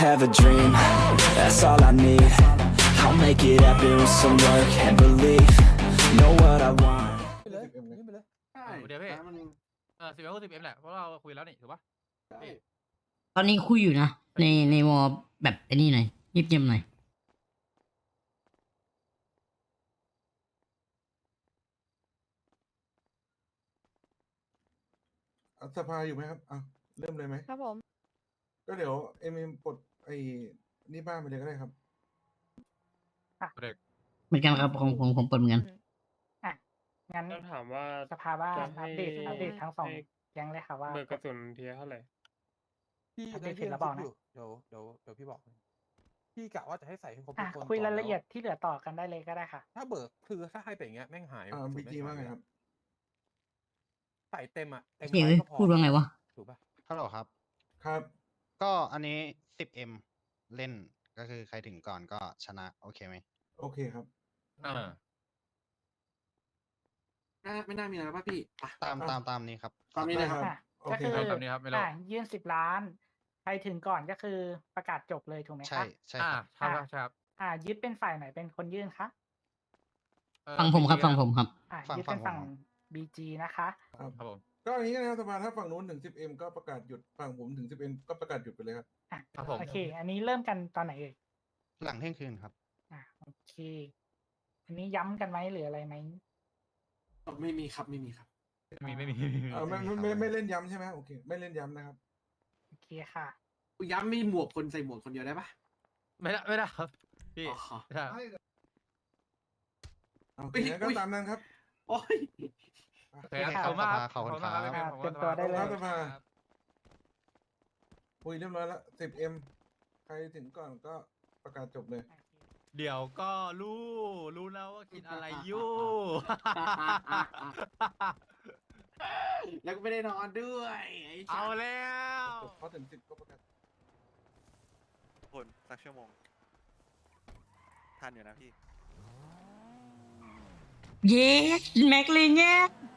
have a dream, that's all I need. I'll make it happen with some work and belief. Know what I want. ไปเลยนี่ไปเลยใช่เดี๋ยวพี่แต่มัน 10 แหละเพราะเราคุยแล้วนี่ถูกปะใช่ตอนนี้คุยอยู่นะในวอลแบบไอ้นี่หน่อยเงียบๆหน่อยสภาอยู่ไหมครับอ่ะเริ่มเลยไหมครับผมก็เดี๋ยวเอ็มปลดไอ้นี่บ้านไปเลยก็ได้ครับเหมือนกันครับของผมเปิดเหมือนกันอ่ะ งั้นต้องถามว่าสภาบ้านจะให้อัปเดตทั้งสองให้แก๊งเลยค่ะว่าเบิกกระสุนเทียเท่าไหร่พี่อัปเดได้ตเสร็ยื่จนแล้วคบรอกบนะอยู่เดี๋ยวพี่บอกให้พี่กะว่าจะให้ใส่ให้ครบอ่ะทุกคนคุยก่นรายละเอียดแที่เหลือต่อกันได้เลยก็ได้ค่ะถ้าเบิกคือถ้าให้ไปอย่างเงี้ยแม่งหายบีจีว่าไงครับใส่เต็มอ่ะเต็มเฮ้ยใบก็พอพูดว่าไงวะถูกป่ะฮัลโหลครับครับก็อันนี้ 10M เล่นก็คือใครถึงก่อนก็ชนะ โอเคไหมโอเคครับไม่น่ามีอะไรป่ะพี่อ่ะตามนี้ครับตามนี้เลยครับอ่ะโอก็เคคือครับแบบนี้ครับไม่รู้ยื่น10 ล้าน ใครถึงก่อนก็คือประกาศจบเลยถูกไหมใช่คะใช่ครับใช่ครับใช่ครับยึดเป็นฝ่ายไหนเป็นคนยื่นคะฟังผมครับฟังผมครับฟังยึดเป็นฟัฝั่งงผม BG นะคะครับครับผมก็อย่างนี้นะครับสภาถ้าฝั่งนู้นถึง 10M ก็ประกาศหยุดฝั่งผมถึง 10M ก็ประกาศหยุดไปเลยครับอ่ะครับผมโอเค อันนี้เริ่มกันตอนไหนเอ่ยหลังเที่ยงคืนครับโอเค อันนี้ย้ำกันไหมหรืออะไรไหมไม่มีครับไม่มีครับไม่มีไม่เล่นย้ำใช่ไหมโอเค ไม่เล่นย้ำนะครับโอเคค่ะย้ำมีหมวกคนใส่หมวกคนเดียวได้ปะไม่ได้ครับพี่อ๋อใช่โอเคงั้นก็ตามนั้นครับโอ้ยโอเคครับขอบคุณมากครับขอบคุณครับพี่อ่าขอบคุณเตรียมตัวได้เลยครับสภา คุยเรียบร้อยแล้ว 10M ใครถึงก่อนก็ประกาศจบเลยเดี๋ยวก็รู้แล้วว่าคิดอะไรอยู่แล้วก็ไม่ได้นอนด้วยไอ้เอาแล้วพอถึง10ก็ประกาศคนสักชั่วโมงทันอยู่นะพี่เย้แม็กเลยเนี่ย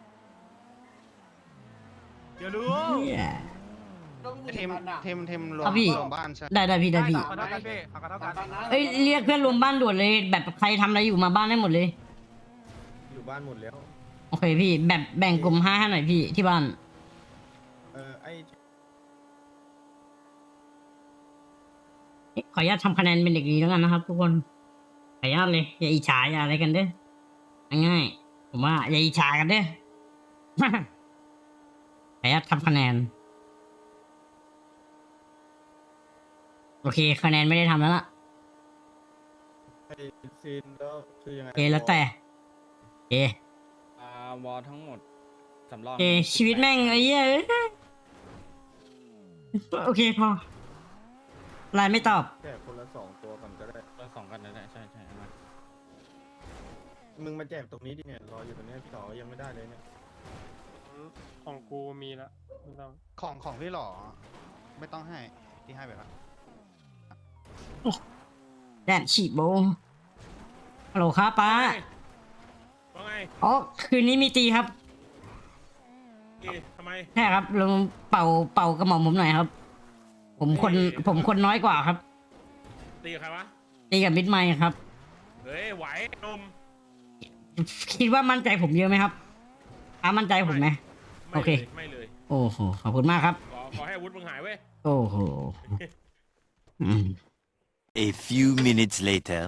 เดี๋ยวรู้เทมรวครัมบพี่รวมบ้านใช่ได้พี่ได้พี่ขอเท่ากันพี่ขอเท่ากันเอ้ยเรียกเพื่อนรวมบ้านด่วนเลย แบบใครทำอะไรอยู่มาบ้านได้หมดเลยอยู่บ้านหมดแล้วโอเคพี่แบบแบ่งกลุ่ม5ให้หน่อยพี่ที่บ้าน ขออนุญาตทำคะแนนเป็นเด็กดีแล้วกันนะครับ ทุกคนขออนุญาตเลยอย่าอิจฉาอย่าอะไรกันเด้อง่ายๆผมว่าอย่าอิจฉากันเด้อ ขออนุญาตทำคะแนนโอเคคะแนนไม่ได้ทำแล้วล่ะซีนแล้วคือยังไงโอเคแล้วแต่โอเควอลทั้งหมดสำรองโอเคชีวิตแม่งไอ้เหี้ยเอ้ยโอเคพอไลน์ไม่ตอบแจกคนละ2ตัวกันก็ได้เราสองกันนั่นแหละใช่มามึงมาแจกตรงนี้ดิเนี่ยรออยู่ตรงนี้พี่ต่อยังไม่ได้เลยเนี่ยของกูมีละไม่ต้องของพี่หล่อไม่ต้องให้ที่ให้ไปแล้วแดนฉีดโบฮัลโหลครับป้าว่าไงอ๋อคืนนี้มีตีครับทำไมใช่ครับลองเป่ากระหม่อมผมหน่อยครับ ผมคนน้อยกว่าครับตีใครวะตีกับมิดไมค์ครับเฮ้ยไหวนมคิดว่ามั่นใจผมเยอะไหมครับป้ามั่นใจผมไหม โอเคไม่เลยโอ้โหขอบคุณมากครับขอให้อาวุธมึงหายเว้ยโอ้โหอืม A few minutes later.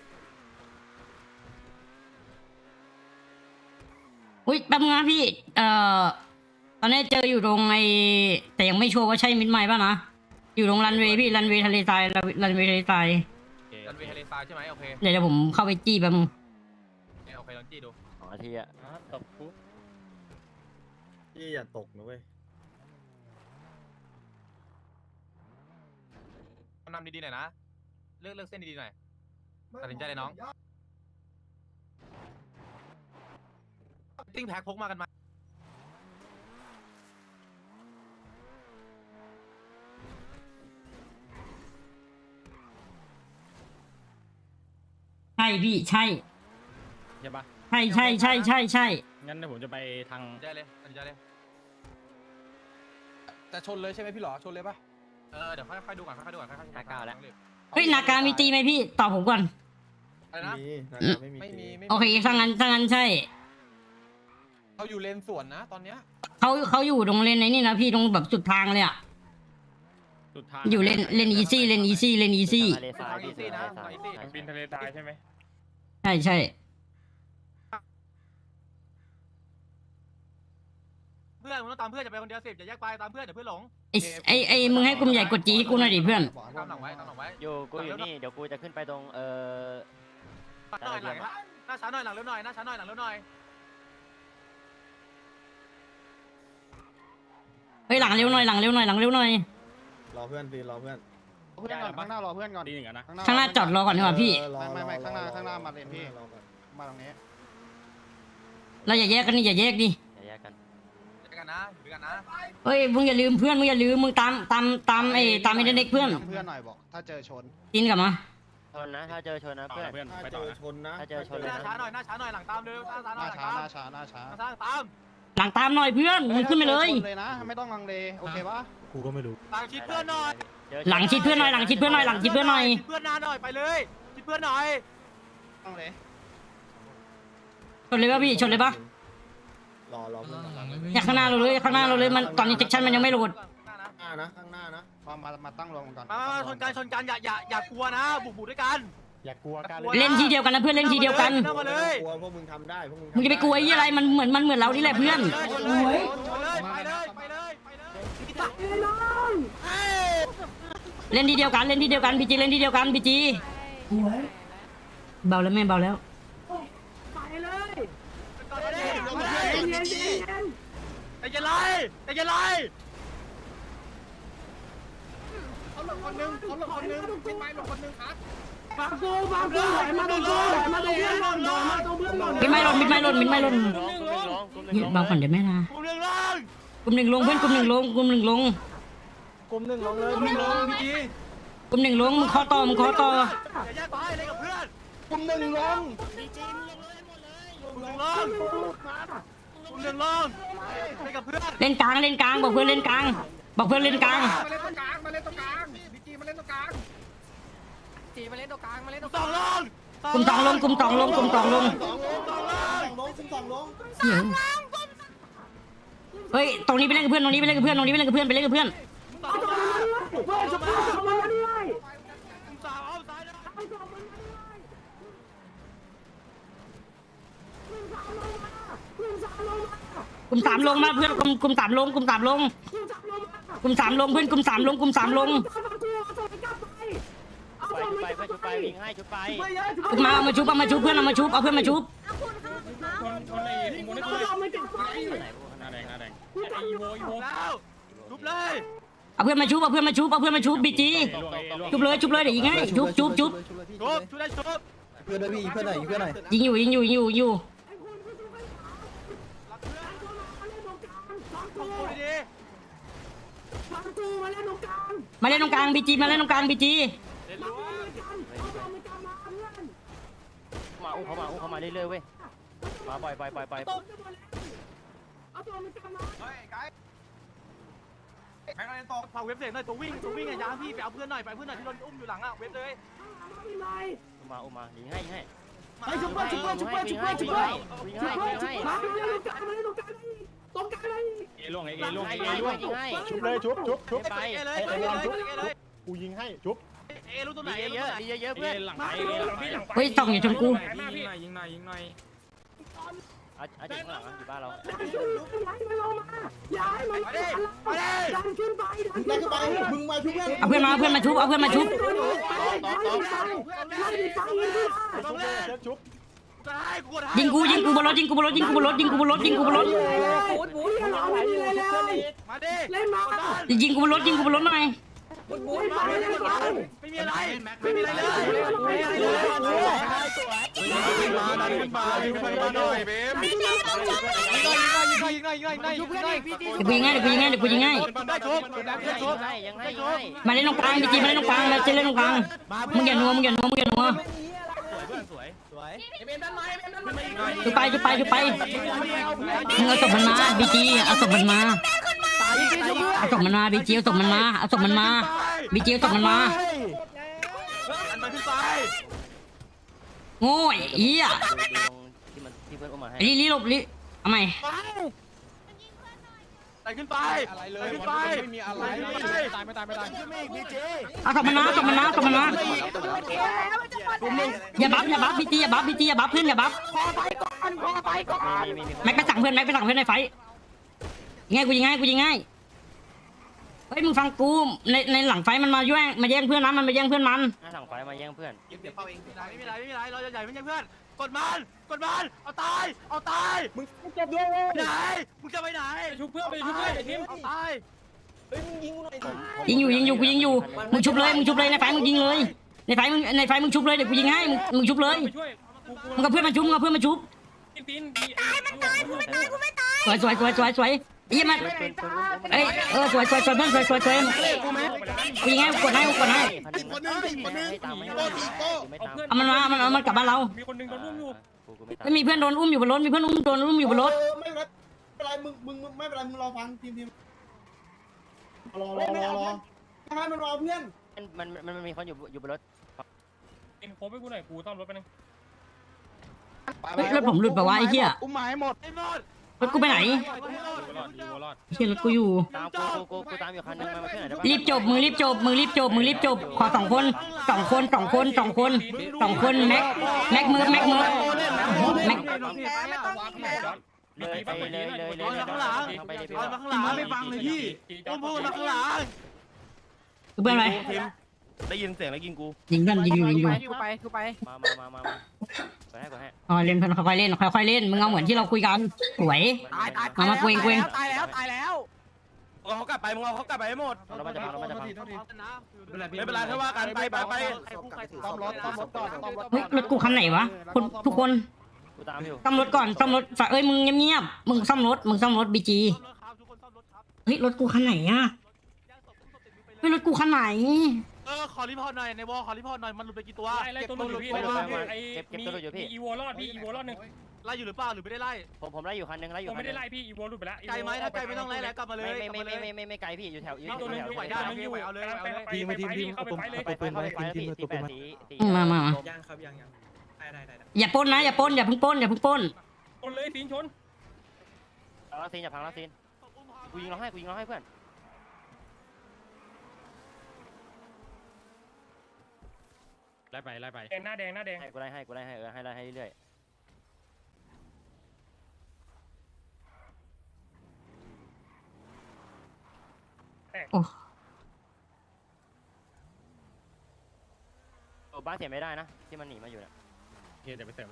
อุ้ยแป๊บนึงนะพี่ ตอนนี้เจออยู่ตรงไอแต่ยังไม่ชัวร์ว่าใช่มิดไมล์ป่ะนะ อยู่ตรงรันเวย์พี่รันเวย์ทะเลทรายรันเวย์ทะเลทรายรันเวย์ทะเลทรายใช่ไหมโอเคเดี๋ยวผมเข้าไปจี้แป๊บนึงโอเคลองจี้ดู 2 นาทีอะตบกูพี่อย่าตกนะเว้ยนำดีๆหน่อยนะเลือกเส้นดีๆหน่อยตัดสินใจเลยน้องติ้งแพ็คพกมากันมาใช่พี่ใช่ใช่ปะใช่ใช่งั้นเดี๋ยวผมจะไปทางตัดสินใจเลยแต่ชนเลยใช่ไหมพี่หลอชนเลยป่ะเดี๋ยวค่อยๆดูก่อนค่อยๆดูก่อนค่อยๆนาก้าแล้วเฮ้ยนาการมีตีไหมพี่ตอบผมก่อนอะไรนะมีนะครับไม่มีไม่มีโอเคถ้างั้นใช่เขาอยู่เลนสวนนะตอนเนี้ยเขาอยู่ตรงเลนไหนนี่นะพี่ตรงแบบสุดทางเลยอ่ะสุดท้ายอยู่เลนอีซี่เลนอีซี่เลนอีซี่ทะเลทรายพี่ทะเลทรายบินทะเลทรายใช่ไหมใช่เพื่อนมึงต้องตามเพื่อนจะไปคนเดียว10อย่าแยกไปตามเพื่อนเดี๋ยวเพื่อนหลงไอมึงให้กลุ่มใหญ่กดจีให้กูหน่อยดิเพื่อนตามหลังไว้ตามหลังไว้กูอยู่นี่เดี๋ยวกูจะขึ้นไปตรงหน่อยหลังหน้าช้าหน่อยหลังเร็วหน่อยหน้าช้าหน่อยหลังเร็วหน่อยเฮ้ยหลังเร็วหน่อยหลังเร็วหน่อยหลังเร็วหน่อยรอเพื่อนสิรอเพื่อนเพื่อนก่อนข้างหน้ารอเพื่อนก่อนดีหนึ่งอะนะข้างหน้าจอดรอก่อนดีกว่าพี่ไม่ข้างหน้ามาเลนพี่รอก่อนมาตรงนี้เราอย่าแยกกันนี่อย่าแยกดิอย่าแยกกันเจอกันนะอยู่ด้วยกันนะเฮ้ยมึงอย่าลืมเพื่อนมึงอย่าลืมมึงตามตามไอ้เด็กเพื่อนเพื่อนหน่อยบอก ถ้าเจอชนกินกลับมาชนนะถ้าเจอชนนะเพื่อนเพื่อนถ้าไปเจต่ออนะชนนะถ้าเจอชนหน้าช้าหน่อยหน้าช้าหน่อยหลังตามเร็วหน้าช้าหหน่อยน้าหลังช้าตามหน้าช้าหน้าตามหลังตามหน่อยเพื่อนมึงขึ้นไปเลยชนเลยนะ ไม่ต้องลังเล โอเคปะหลังชิดเพื่อนหน่อยหลังชิดเพื่อนหน่อยหลังชิดเพื่อนหน่อยหลังชิดเพื่อนหน่อยชิดเพื่อนหน้าหน่อยไปเลยชิดเพื่อนหน่อยต้องเลยชนเลยป่ะพี่ชนเลยป่ะรอเพื่อนก่อนอยากข้างหน้าเราเลยข้างหน้าเราเลยมันตอนนี้เซ็กชันมันยังไม่โหลดข้างหน้านะข้างหน้านะมาตั้งรวมกันก่อนมาชนกันอย่ากลัวนะบุกด้วยกันอย่ากลัวกันเล่นทีเดียวกันนะเพื่อนเล่นทีเดียวกันเข้ามาเลยกลัวพวกมึงทำได้พวกมึงมึงจะไปกลัวไอ้อะไรมันเหมือนเรานี่แหละเพื่อนชนเลยไปเลยเล่นทีเดียวกันเล่นทีเดียวกันบีจีเล่นทีเดียวกันบีจีเบาแล้วแม่เบาแล้วแต่ยังไรมิดไม่หล่นเบาก่อนเดี๋ยวแม่นะกูเรื่องล่างกลุ่มหนึ่งลงเพื่อนกลุ่มหนึ่งลงกลุ่มหนึ่งลงเลยมึงลงพี่จีกลุ่มหนึ่งลงมึงขอต่ออย่าแยกไปเลยกับเพื่อนกลุ่มหนึ่งลงมึงลงกูเรื่องล่างไปกับเพื่อนเล่นกลางบอกเพื่อนเล่นกลางบอกเพื่อนเล่นกลางสองลงกลุ่มสองลงเหี้ยเฮ้ยตรงนี้ไปเล่นกับเพื่อนไปเล่นกับเพื่อนสามเอาซ้ายนะกลุ่มสามลงมาเพื่อนกลุ่มสามลงเพื่อนกลุ่มสามลงไปวิ่งให้ชุดไปมาเอามาชุบเพื่อนเอามาชุบเอาเพื่อนมาชุบคนไอ้อีโมนี่คือหน้าแดงไอ้อีโมแล้วทุบเลยเอาเพื่อนมาชุบบีจีชุบเลยเดี๋ยวยิงให้ชุบชุบได้ชุบเพื่อนด้วยพี่เพื่อนหน่อยเพื่อนหน่อยยิงอยู่ มาเล่นตรงกลางบีจีมาเข้ามาเรื่อยๆเว้ยมาปล่อยพาเว็บเสียงหน่อยตัววิ่งไงยาพี่ไปเอาเพื่อนหน่อยที่โดนอุ้มอยู่หลังอ่ะเว็บเลยมายิงให้ชุบไปเอล่วงไอ้เอล่วงยิงให้ชุบเลยชุบไปเลยกูยิงให้ชุบรู้ตัวไหนเยอะเพื่อนหลังไปหลังไปเฮ้ยส่องอย่าชนกูยิงหน่อยอาจจะข้างหลังอยู่บ้านเรามึงมาชุบเพื่อนเอาเพื่อนมาชุบต้องเล่นชุบยิงกูบนรถยิงกูบนรถมาดิยิงกูบนรถหน่อยไม่มีอะไรเลยมาหน่อยเบมยิงหน่อยเดี๋ยวกูยิงให้ได้ชุบยังให้มาเล่นตรงกลางบีจีมาเล่นตรงกลางมาเล่นตรงกลางมึงอย่านัวจุไปมึงเอาศพมันมาบีจีเอาศพมันมาบีจีเอาศพมันมาบีจีตกมันมาอันไปขึ้นไปโง่ไอ้เหี้ยที่เพื่อนอุ้มมาให้ลีหลบลีทำไมไปขึ้นไปอะไรเลไปยขึ้นไปไม่มีอะไรตายไม่ตายไม่ตายเอาตกมันมาตกมันมาตกมันมาอย่าบัฟบีจีอย่าบัฟเพื่อนอย่าบัฟแม็กไปสั่งเพื่อนในไฟยิงง่ายกูยิงง่ายเฮ้ยมึงฟังกูในหลังไฟมันมาแย่งเพื่อนนะมันมาแย่งเพื่อนมันหน้าสั่งไฟมาแย่งเพื่อนไม่มีไรเราจะใหญ่ไม่ใช่เพื่อนกดมันเอาตายมึงจะไปไหนมึงจะไปไหนชุบเพื่อนไปชุบเพื่อนไอ้ทีมเอาตายยิงอยู่กูยิงอยู่มึงชุบเลยในไฟมึงยิงเลยในไฟมึงชุบเลยเดี๋ยวกูยิงให้มึงชุบเลยไปช่วยมึงกับเพื่อนมันชุบปีนสวยยี่มันเอ้ยสวยเพื่อนสวยกูยิงให้กดให้ เอามันกลับบ้านเรามีคนนึงโดนรุ่มอยู่ไม่มีเพื่อนโดนอุ้มอยู่บนรถโดนอุ้มอยู่บนรถไม่เป็นไรมึงไม่เป็นไรมึงรอฟังทีมรอให้มันรอเพื่อนมันมีคนอยู่บนรถเอ็มโคบให้กูหน่อยกูซ่อมรถไปนึงรถผมหลุดไปวะไอ้เหี้ยอุ้มหมายหมดรถกูไปไหนเหี้ยรถกูอยู่ตามกูตามอยู่คันนึงมาเพื่อนไหนได้ปะรีบจบขอ2 คนแม็กเมิร์ฟแม็กเลยไปเลยมาข้างหลังไปเลยมาข้างหลังไม่ฟังเลยพี่พูดมาข้างหลังเพื่อนอะไรได้ยินเสียงแล้วยิงกูยิงอยู่กูไปมาให้เล่นเพื่อนค่อยๆเล่นมึงเอาเหมือนที่เราคุยกันสวยตายมาเกวงตายแล้วเอาเขากลับไปมึงเอาเขากลับไปให้หมดเรามาจะพังไม่เป็นไรถ้าว่ากันไปต้อมรถก่อนเฮ้ยรถกูคันไหนวะทุกคนกูตามอยู่ซ่อมรถก่อนเอ้ยมึงเงียบมึงซ่อมรถบีจีเฮ้ยรถกูคันไหนอะเฮ้ยรถกูคันไหนขอรีพอร์ตหน่อยในวอลขอรีพอร์ตหน่อยมันหลุดไปกี่ตัวไล่ตัวนึงอยู่พี่ไอ้มีอีโวรอดพี่อีโวรอดหนึ่งไล่อยู่หรือเปล่าหรือไม่ได้ไล่ผมไล่อยู่คันนึงไล่อยู่ผมไม่ได้ไล่พี่อีโวหลุดไปแล้วไกลไหมถ้าไกลไม่ต้องไล่แล้วกลับมาเลยไม่ไกลพี่อยู่แถวมีตัวนึงอยู่ไหวได้มันอยู่เอาเลยเข้าไปเลยมายังครับยังได้อย่าปล้นนะอย่าเพิ่งปล้นคนเลยตีนชนแล้วซีนอย่าพังแล้วซีนกูยิงเราให้เพื่อนไล่ไปแดงหน้าแดงให้กูไล่ให้เรื่อยบ้านเสียไม่ได้นะที่มันหนีมาอยู่เนี่ยโอเคเดี๋ยวไปเสริม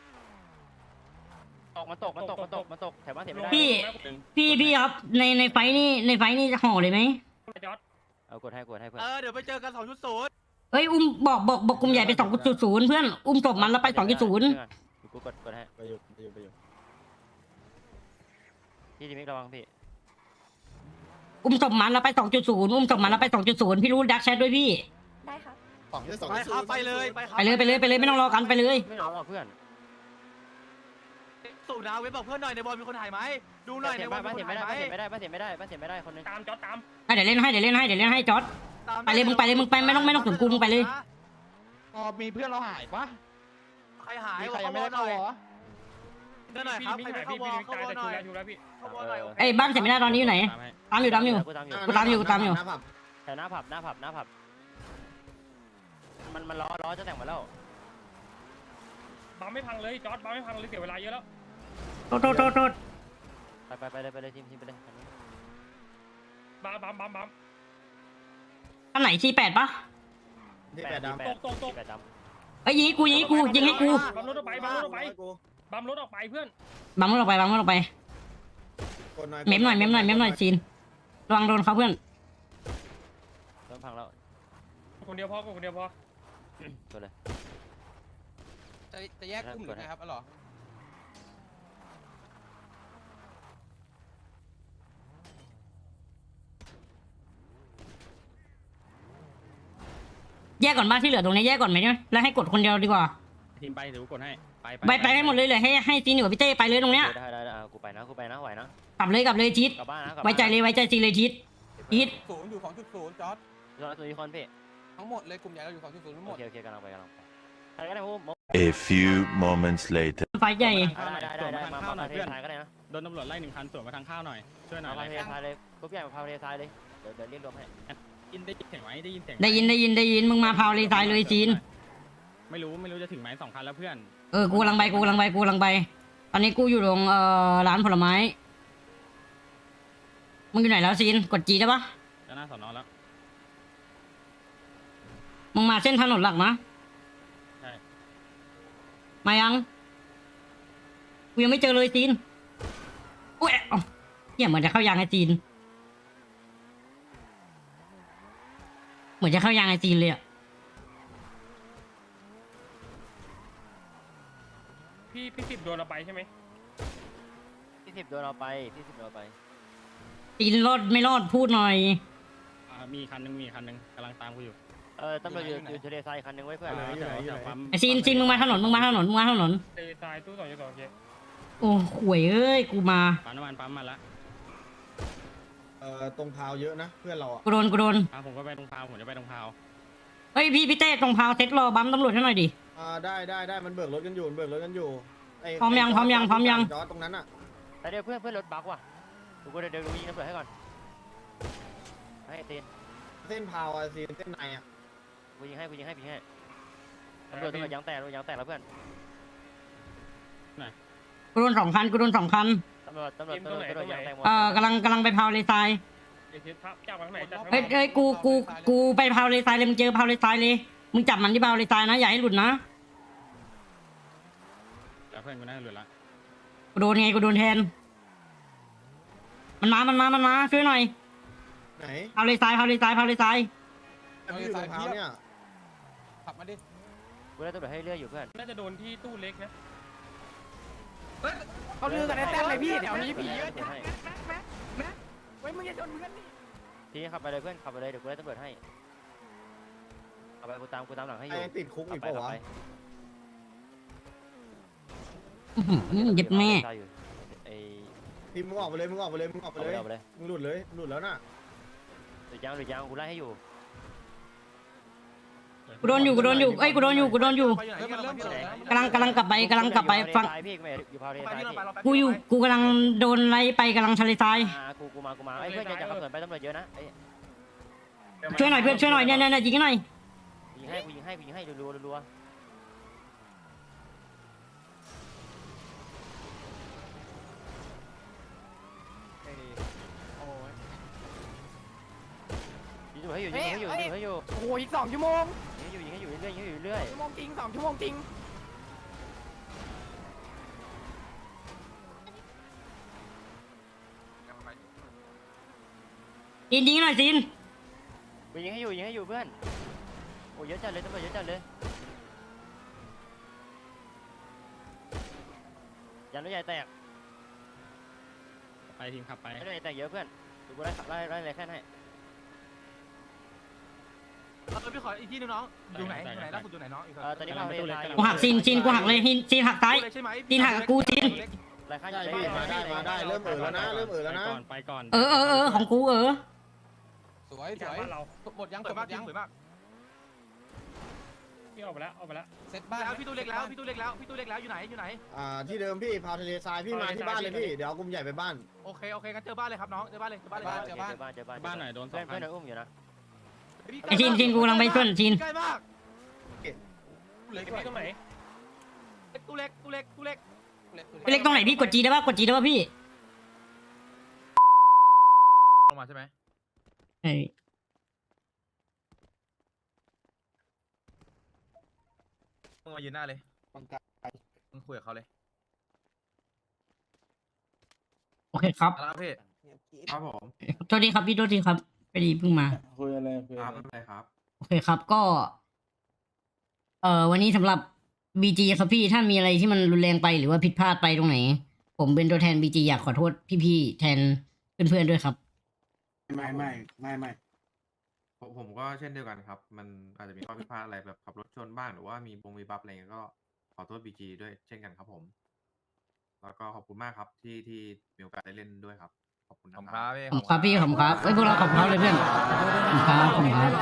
มันตกแถวบ้านเสียไม่ได้พี่ครับในไฟนี่ห่อเลยไหมเอากดให้เพื่อนเดี๋ยวไปเจอกัน2.0 เอ้ยอุ้มบอกกลุ่มใหญ่ไป2.0เพื่อนอุ้มศพมันแล้วไป2.0 กูกดให้ไปอยู่พี่ดิมิกระวังพี่อุ้มศพมันแล้วไป2.0พี่รู้ดักแชทด้วยพี่ได้ครับไปครับไปเลยไม่ต้องรอกันไปเลยไม่เอาเพื่อนสูนะเว็บบอกเพื่อนหน่อยในบอลมีคนถ่ายไหมดูหน่อยในบอลมีบ้านคนเสียไม่ถ่ายได้ไหมบ้านเสียไม่ได้คนนึงตามจอดตามเดี๋ยวเล่นให้จอร์ดไปเลยมึงไปไม่ต้องถึงกูมึงไปเลยมีเพื่อนเราหายปะใครหายมีใครยังไม่ได้เข้าวอเดินหน่อยครับพี่ใครไม่ไม่หายเข้าพี่วอลพี่เข้าวอลหน่อยชูแล้วพี่เข้าวอลหน่อยไอ้บ้านเสร็จไม่ได้ตอนนี้อยู่ไหนตามอยู่กูตามอยู่แถวหน้าผับมันล้อจะแต่งมาแล้วบัมไม่พังเลยจอดบัมไม่พังเลยเสียเวลาเยอะแล้วโทษไปเลยทีมไปเลยบัมอันไหน48ปะที่แปดดำตกเอ้ยยิงให้กูยิงให้กูบัมรถออกไปเพื่อนบังมันออกไปเมมหน่อยซีนระวังโดนเขาเพื่อนเริ่มพังแล้วคนเดียวพอตัวเลยจะแยกกลุ่มหรือไงครับอ๋อแยกก่อนบ้านที่เหลือตรงนี้แยกก่อนไหมเนี่ยแล้วให้กดคนเดียวดีกว่าทีมไปเดี๋ยวกดให้ไปให้หมดเลยให้ซีนอยู่กับพี่เต้ไปเลยตรงเนี้ยได้กูไปนะไหวนะกลับเลยทิศกลับบ้านนะไว้ใจซีนเลยทิศศูนย์อยู่2.0จอร์ดกตัวนี้คนพี่ทั้งหมดเลยกลุ่มใหญ่เราอยู่2.0ทั้งหมโอดเคกำลังไปใครก็ได้พูด A few moments later ไฟใหญ่ได้มาเทสายก็ได้นะโดนตำรวจไล่1 คันสวนมาทางข้าวหน่อยช่วยหน่อยมาเทสายเลยกรุ๊ปใหญ่มาพาเทสายเลยเดี๋ยวเรียกรวมให้ได้ยินเสียงไหมได้ยินเสียงได้ยินมึงมาพาวเลยตายเลยจีนไม่รู้จะถึงไหม2 คันแล้วเพื่อนกูกำลังไปตอนนี้กูอยู่ตรงร้านผลไม้มึงอยู่ไหนแล้วจีนกดจีได้ปะจะหน้าสอนอแล้วมึงมาเส้นถนนหลักนะใช่มายังกูยังไม่เจอเลยจีนอุ้ยเอ้าเหี้ยเหมือนจะเข้ายางไอจีนเหมือนจะเข้ายางไอจีนเลยอะพี่10โดนเราไปใช่ไหมที่10โดนเราไปที่10โดนเราไปจีนรอดไม่รอดพูดหน่อยมีคันนึงกำลังตามกูอยู่ตำรวจอยู่ทะเลทรายคันนึงไว้เพื่อนไอจีนมึงมาถนนทนเตะตายตู้2.2โอเคโอ้ห่วยเอ้ยกูมาปั๊มน้ำมันปั๊มมาละตรงพาวเยอะนะเพื่อนเราอ่ะกูโดนผมก็ไปตรงพาวผมจะไปตรงพาวเฮ้ยพี่เต้ตรงพาวเซ็ตรอบัมตำรวจให้หน่อยดิได้มันเบิกรถกันอยู่พร้อมยังจอดตรงนั้นอ่ะแต่เดี๋ยวเพื่อนรถบักว่ะกูเดี๋ยวยิงตำรวจให้ก่อนให้ตีนเส้นพาวอ่ะซีเส้นในอ่ะกูยิงให้ตำรวจยางแตกแล้วเพื่อนกูโดน2 คันตำรวจยางแตกหมดกำลังไปพาวเลยทรายเดี๋ยวพับจับมาข้างไหนจับเฮ้ยกูไปพาวเลยทรายเลยมึงเจอพาวเลยทรายเลยมึงจับมันที่พาวเลยทรายนะอย่าให้หลุดนะเพื่อนกูน่าจะหลุดละกูโดนแทนมันมาช่วยหน่อยไหนพาวเลยทรายอยู่ตรงพาวเนี่ยขับมาดิกูได้ตำรวจให้เลื่อยอยู่เพื่อนน่าจะโดนที่ตู้เล็กนะเขาลือกันในแต้มเลยพี่เดี๋ยวนี้ผีเยอะไว้มึงจะชนเพื่อนทีนี้ขับไปเลยเพื่อนขับไปเลยเดี๋ยวกูได้ตำรวจให้ขับไปกูตามหลังให้อยู่ไอ้ติดคุกอีกเปล่าวะเย็บแม่ทีมมึงออกไปเลยมึงหลุดแล้วน่ะหรือยางกูไล่ให้อยู่กูโดนอยู่เอ้ยกูโดนอยู่มันเริ่มเปิดแล้วกำลังกลับไปฟังพี่อยู่พาวเทสายพี่กูกำลังโดนไล่ไปกำลังทะเลทรายกูมาไอ้เพื่อนอย่าขับสวนไปตำรวจเยอะนะช่วยหน่อยเพื่อนช่วยหน่อยเนี่ยยิงให้หน่อยกูยิงให้รัวยิงให้อยู่โอ้โหอีก2 ชั่วโมงยิงให้อยู่เรื่อยชั่วโมงจริง2 ชั่วโมงจริงยิงหน่อยจีนกูยิงให้อยู่เพื่อนโอ้เยอะจัดเลยตำรวจเยอะจัดเลยยันรถใหญ่แตกไปทีมขับไปรถใหญ่แตกเยอะเพื่อนกูไล่อะไรแค่ให้พี่ขออีกที่นึงน้องอยู่ไหนล่าสุดอยู่ไหนน้องอีกตอนนี้พาวเทสายกูหักจีนกูหักเลยจีนหักซ้ายใช่ไหมจีนหักกูจีนไรค่าได้พี่มาได้เริ่มแล้วนะไปก่อนของกูสวยหมดยังสวยมากพี่ออกไปแล้วเซตบ้านแล้วพี่ตู้เล็กแล้วอยู่ไหนที่เดิมพี่พาวทะเลทรายพี่มาที่บ้านเลยพี่เดี๋ยวเอากลุ่มใหญ่ไปบ้านโอเคงั้นเจอบ้านเลยครับน้องเจอบ้านเลยบ้านหน่อยโดนเพื่อนอุ้มอยู่นะไอจีนกูกำลังไปช่วยจีนใกล้มากเล็กตรงไหนตู้เล็กไปเล็กตรงไหนพี่กดจีได้ป่ะพี่ลงมาใช่ไหมไอ้มึงมายืนหน้าเลยมึงคุยกับเขาเลยโอเคครับอะไรพี่ครับผมโทษทีครับพี่โทษทีครับพอดีเพิ่งมาคุยอะไรครับไม่เป็นไรครับโอเคครับก็ วันนี้สำหรับ BG ครับพี่ถ้ามีอะไรที่มันรุนแรงไปหรือว่าผิดพลาดไปตรงไหน ผมเป็นตัวแทน BG อยากขอโทษพี่ๆแทนเพื่อนๆด้วยครับไม่ผมก็เช่นเดียวกันครับ มันอาจจะมีข้อผิดพลาดอะไรแบบขับรถชนบ้างหรือว่ามีบัฟอะไรเงี้ยก็ขอโทษบีจีด้วยเช่นกันครับผม แล้วก็ขอบคุณมากครับที่มีโอกาสได้เล่นด้วยครับขอบคุณนะขอบคคุรัณบครับพี่ขอบคุณครับพี่ขอบคุณครับเอ้ยพวกเราขอบคุณครับเลยเพื่อนขอบคุณครับขอบคุณครับ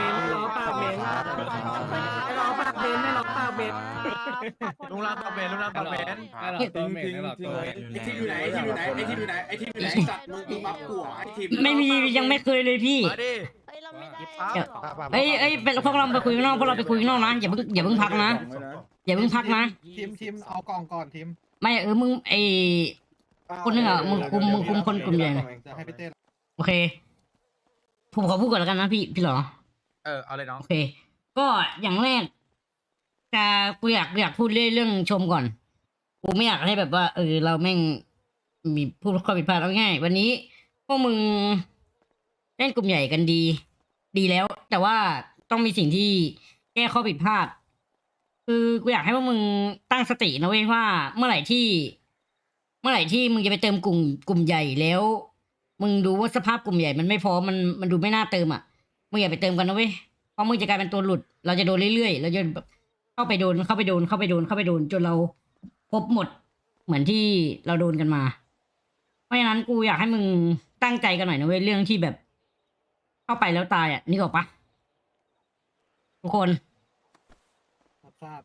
ลุงรักปากเบนลุงรักปากเบนตัวเมนหรอตัวไอ้ทีมอยู่ไหนไอ้ทีมอยู่ไหนไอ้ทีมอยู่ไหนไอ้ทีมอยู่ไหนสัตว์มึงบัฟกูเหรอไอ้ทีมไม่มียังไม่เคยเลยพี่มาดิเฮ้ยเราไม่ได้เอ้ยเป็นพวกเราไปคุยข้างนอกพวกเราไปคุยข้างนอกนะอย่าเพิ่งพักนะอย่าเพิ่งพักนะทีมเอากล่องก่อนทีมไม่มึงไอคนนึงอ่ะมึงคุมคนกลุ่มใหญ่หน่อยจะให้พี่เต้โอเคผมขอพูดก่อนแล้วกันนะพี่เหรอเอาเลยน้องโอเค ก็อย่างแรกจะกูอยากพูดเรื่องชมก่อนกูไม่อยากให้แบบว่าเราแม่งมีพูดข้อผิดพลาดเอาง่ายวันนี้พวกมึงเล่นกลุ่มใหญ่กันดีแล้ว แต่ว่าต้องมีสิ่งที่แก้ข้อผิดพลาด คือกูอยากให้พวกมึงตั้งสตินะเว้ยว่าเมื่อไหร่ที่มึงจะไปเติมกลุ่มใหญ่แล้ว มึงดูว่าสภาพกลุ่มใหญ่มันไม่พอมันดูไม่น่าเติมอ่ะมึงอย่าไปเติมกันนะเว้ยเพราะมึงจะกลายเป็นตัวหลุดเราจะโดนเรื่อยๆเราจะเข้าไปโดนจนเราครบหมดเหมือนที่เราโดนกันมาเพราะฉะนั้นกูอยากให้มึงตั้งใจกันหน่อยนะเว้ยเรื่องที่แบบ เข้าไปแล้วตายอ่ะนึกออกปะทุกคนทราบ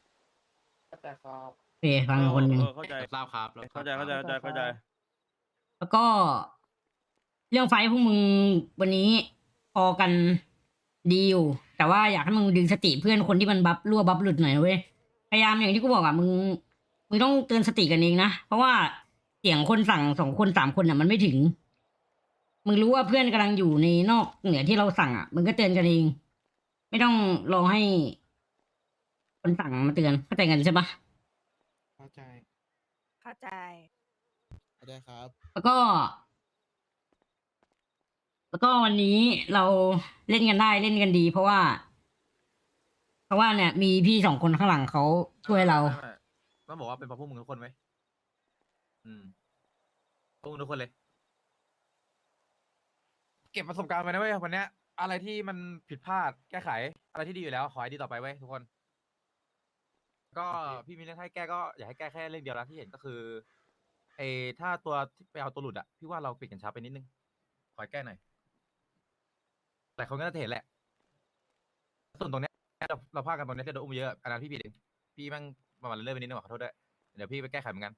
โอเคฟังคนหนึ่งเข้าใจทราบครับเข้าใจแล้วก็เรื่องไฟท์พวกมึงวันนี้พอกันดีอยู่แต่ว่าอยากให้มึงดึงสติเพื่อนคนที่มันบัฟรั่วบัฟหลุดหน่อยนะเว้ยพยายามอย่างที่กูบอกอ่ะมึงต้องเตือนสติกันเองนะเพราะว่าเสียงคนสั่ง2 คน3 คนอ่ะมันไม่ถึงมึงรู้ว่าเพื่อนกำลังอยู่ในนอกเหนือที่เราสั่งอ่ะมึงก็เตือนกันเองไม่ต้องรอให้คนสั่งมาเตือนเข้าใจกันใช่ปะเข้าใจเข้าใจเข้าใจครับแล้วก็วันนี้เราเล่นกันได้เล่นกันดี เพราะว่าเนี่ยมีพี่2 คนข้างหลังเขาช่วยเราต้องบอกว่าเป็นเพราะพวกมึงทุกคนไหมพวกมึงทุกคนเลย เก็บประสบการณ์ไปนะเว้ยวันเนี้ยอะไรที่มันผิดพลาดแก้ไขอะไรที่ดีอยู่แล้วขอให้ดีต่อไปเว้ยทุกคน ก็พี่มีเรื่องให้แก้ก็อยากให้แก้แค่เรื่องเดียวนะที่เห็นก็คือถ้าตัวที่ไปเอาตัวหลุดอะพี่ว่าเราปิดกันช้าไปนิดนึงขอให้แก้หน่อยแต่คนก็น่าจะเห็นแหละส่วนตรงเนี้ยเราพลาดกันตรงเนี้ยที่โดนอุ้มเยอะอันนั้นพี่ผิดเองพี่แม่งประมาณเลื่อนไปนิดนึงขอโทษด้วยเดี๋ยวพี่ไปแก้ไขเหมือนกัน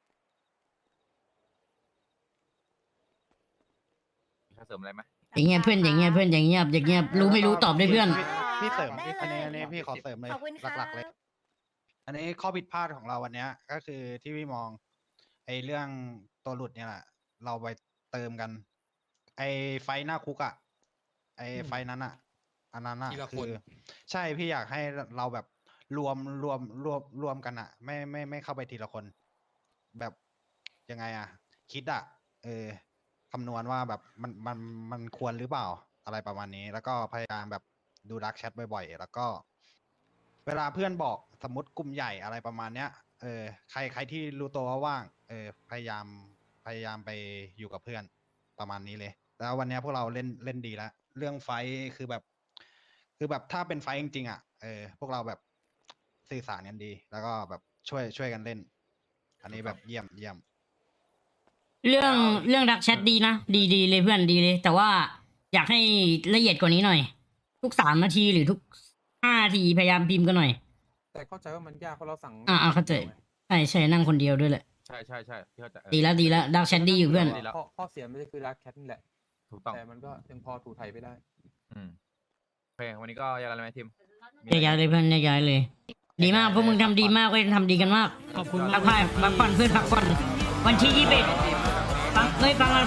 มีใครเสริมอะไรไหมอย่างเงี้ยเพื่อนอย่างเงี้ยรู้ไม่รู้ตอบด้วยเพื่อนพี่เสริมอันนี้พี่ขอเสริมเลยขอบคุณค่ะหลักๆเลย อันนี้ข้อผิดพลาดของเราวันเนี้ย ก็คือที่พี่มองเรื่องตัวหลุดเนี่ยแหละเราไปเติมกัน ไฟหน้าคุกอะไฟนั้นอะอันนั้นอะคือใช่พี่อยากให้เราแบบรวมกันอะไม่เข้าไปทีละคน แบบยังไงอะคิดอะคำนวณว่าแบบมันควรหรือเปล่าอะไรประมาณนี้ แล้วก็พยายามแบบดูดักแชทบ่อยๆแล้วก็ เวลาเพื่อนบอกสมมติกลุ่มใหญ่อะไรประมาณเนี้ยใครที่รู้ตัวว่าว่างพยายามไปอยู่กับเพื่อนประมาณนี้เลย แล้ววันเนี้ยพวกเราเล่นดีแล้วเรื่องไฟท์คือแบบถ้าเป็นไฟท์จริงๆอ่ะพวกเราแบบสื่อสารกันดี แล้วก็แบบช่วยกันเล่น อันนี้แบบเยี่ยมเรื่องดักแชทดีนะดีเลยเพื่อนดีเลย แต่ว่าอยากให้ละเอียดกว่านี้หน่อย ทุก3 นาทีหรือทุก5 นาทีพยายามพิมพ์กันหน่อยแต่เข้าใจว่ามันยากเพราะเราสั่งเข้าใจใช่นั่งคนเดียวด้วยแหละใช่พี่เข้าใจดีแล้วดักแชทดีอยู่เพื่อนข้อเสียไม่ใช่คือรักแคทนี่แหละถูกต้องแต่มันก็ยังพอถูไทยไปได้โอเควันนี้ก็ยังอะไรไหมทีมย้ายเลยเพื่อนย้ายเลย ดีมากพวกมึงทำดีมากเว้ยทำดีกันมากขอบคุณพักผ่อนเพื่อนพักผ่อนวันที่21ฟังก่อน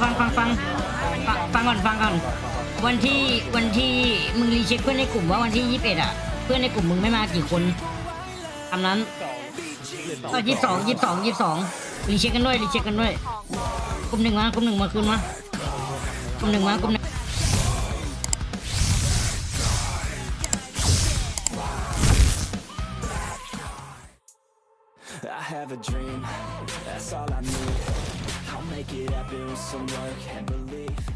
วันที่มึงรีเช็คเพื่อนในกลุ่มว่าวันที่21อ่ะเพื่อนในกลุ่มมึงไม่มากี่คนตามนั้นก็22รีเช็คกันด้วยกลุ่ม 1มากลุ่ม 1มาคืนมากลุ่ม 1มากลุ่ม 1 I have a dream, that's all I need. I'll make it happen with some work and belief.